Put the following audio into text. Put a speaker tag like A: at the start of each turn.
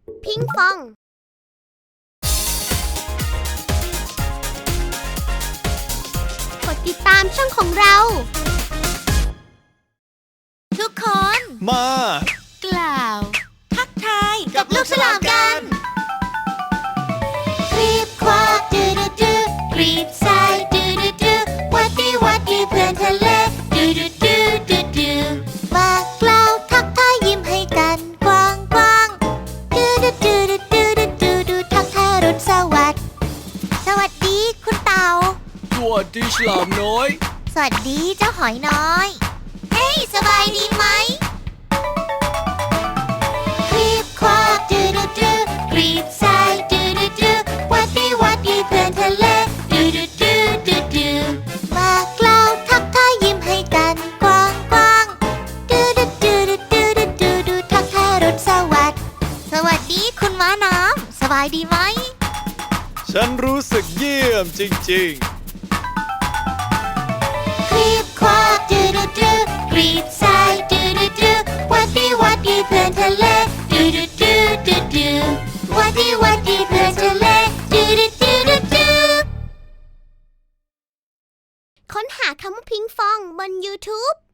A: พิงฟองกดติดตามช่องของเราทุกคน
B: มาก
A: ล่าวทักทายกับลูกฉลามกันกรีบควาดดูดูดูกรีบซ้ายดูดูดูวัดดีเพื่อนทะเลดูดูดูดูดูบอกกล่าวทักทายยิ้มให้กันกว้างกว้างดูดูดูดูดูดูดูทักทายรุ่นสวัสดีคุณเต่า
B: สวัสดีฉลามน้อย
A: สวัสดีเจ้าหอยน้อยเฮ้ยสบายดีไหมกรีบควาดดูดูดูกรีบซ้ายดูดูดูวัดดีเพื่อนทะเลดูดูดูดูดูบอกกล่าวทักทายยิ้มให้กันกว้างกว้างดูดูดูดูดูดูดูทักทายรุ่นสวัสดีคุณม้าน้ำสบายดีไหม
B: ฉันรู้สึกเยี่ยมจริง
A: กรีบควาดดูดูดูกรีบซ้ายดูดูดูวัดดีเพื่อนทะเลดูดูดูดูดูวัดดีเพื่อนทะเลดูดูดูดูดูค้นหาคำว่าพิงฟองบน YouTube